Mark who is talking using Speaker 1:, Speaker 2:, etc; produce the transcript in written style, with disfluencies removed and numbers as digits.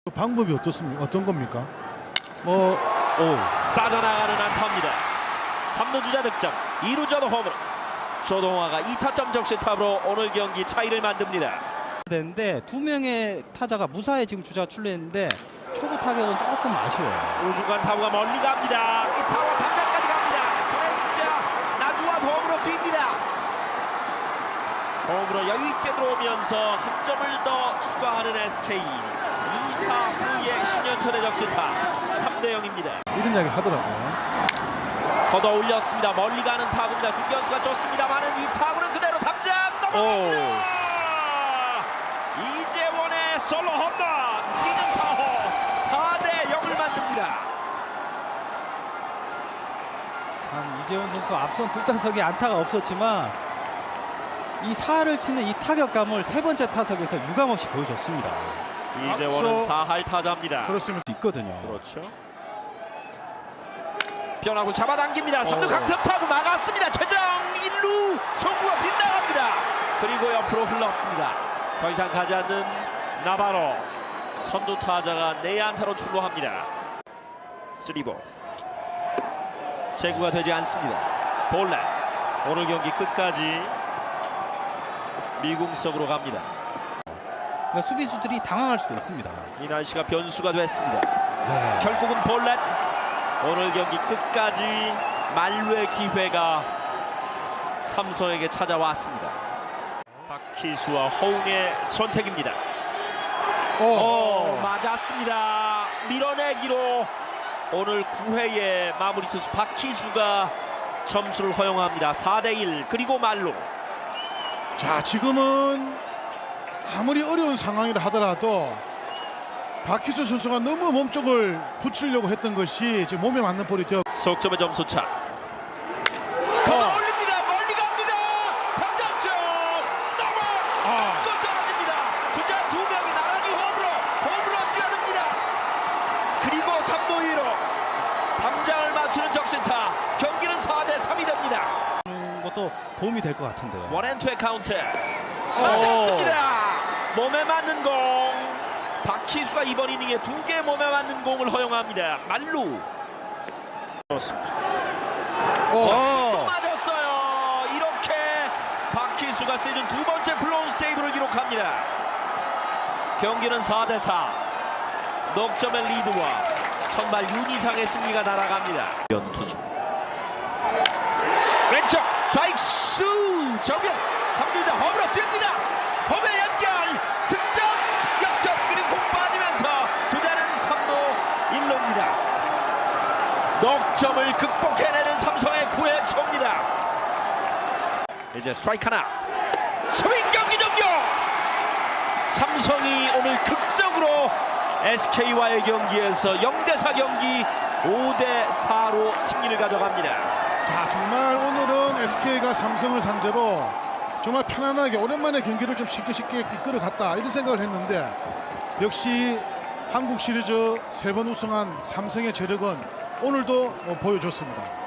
Speaker 1: 방법이 어떻습니까? 어떤 겁니까?
Speaker 2: 빠져나가는 안타입니다. 3루 주자 득점, 2루 주자 홈으로 조동화가 2타점 적시타로 오늘 경기 차이를 만듭니다.
Speaker 3: 되는데 두 명의 타자가 무사히 지금 주자가 출루했는데 초구 타격은 조금 아쉬워요.
Speaker 2: 우중간 타구가 멀리 갑니다. 이 타구가 담장까지 갑니다. 선행자 나주환 홈으로 뜁니다. 홈으로 여유있게 들어오면서 한 점을 더 추가하는 SK. 2사 후의 10년천의 적시타 3대0입니다.
Speaker 1: 이런 이야기 하더라고요.
Speaker 2: 걷어 올렸습니다. 멀리 가는 타구입니다. 중견수가 쫓습니다만은 이 타구는 그대로 담장 넘어갑니다. 이재원의 솔로 홈런 시즌 4호 4대0을 만듭니다.
Speaker 3: 참 이재원 선수 앞선 두 타석에 안타가 없었지만 이 4를 치는 이 타격감을 세 번째 타석에서 유감없이 보여줬습니다.
Speaker 2: 이재원은 4할 타자입니다.
Speaker 1: 그렇습니다.
Speaker 3: 있거든요.
Speaker 2: 그렇죠. 변화구 잡아당깁니다. 3루 강습 타구 막았습니다. 최정 1루 송구가 빗나갑니다. 그리고 옆으로 흘렀습니다. 더 이상 가지 않는 나바로 선두 타자가 내안타로 출루합니다. 3볼 제구가 되지 않습니다. 볼넷 오늘 경기 끝까지 미궁석으로 갑니다.
Speaker 3: 그러니까 수비수들이 당황할 수도 있습니다.
Speaker 2: 이 날씨가 변수가 됐습니다.
Speaker 3: 네.
Speaker 2: 결국은 볼넷 오늘 경기 끝까지 만루의 기회가 삼성에게 찾아왔습니다. 박희수와 허웅의 선택입니다. 맞았습니다. 밀어내기로 오늘 9회의 마무리 투수 박희수가 점수를 허용합니다. 4대1 그리고 말로.
Speaker 1: 자, 지금은 아무리 어려운 상황이라 하더라도 박희수 선수가 너무 몸쪽을 붙이려고 했던 것이 지금 몸에 맞는 볼이 되어
Speaker 2: 속점의 점수차. 걷어 올립니다. 멀리 갑니다. 탐장점 넘어. 끝 떨어집니다. 주자 두 명이 나란히 홈으로 뛰어듭니다. 그리고 3루 2루 담장을 맞추는 적신타. 경기는 4대3이 됩니다.
Speaker 3: 것도 도움이 될 것 같은데요.
Speaker 2: 원앤투의 카운트. 맞았습니다. 몸에 맞는 공. 박희수가 이번 이닝에 2개 몸에 맞는 공을 허용합니다. 말루. 그렇습니다. 또 맞았어요. 이렇게 박희수가 시즌 2번째 블로운 세이브를 기록합니다. 경기는 4대4. 넉점의 리드와 선발 윤희상의 승리가 날아갑니다. 연투수 왼쪽 좌익수 정면 3루자 홈으로 뜁니다. 홈에 연결 득점 역전 그리고 공 빠지면서 주자는 3루 1루입니다. 넉점을 극복해내는 삼성의 9회 초입니다. 이제 스트라이크 하나 스윙 경기 종료. 삼성이 오늘 극적으로 SK와의 경기에서 0대4 경기 5대4로 승리를 가져갑니다.
Speaker 1: 자, 정말 오늘은 SK가 삼성을 상대로 정말 편안하게 오랜만에 경기를 좀 쉽게 이끌어갔다 이런 생각을 했는데 역시 한국 시리즈 3번 우승한 삼성의 재력은 오늘도 보여줬습니다.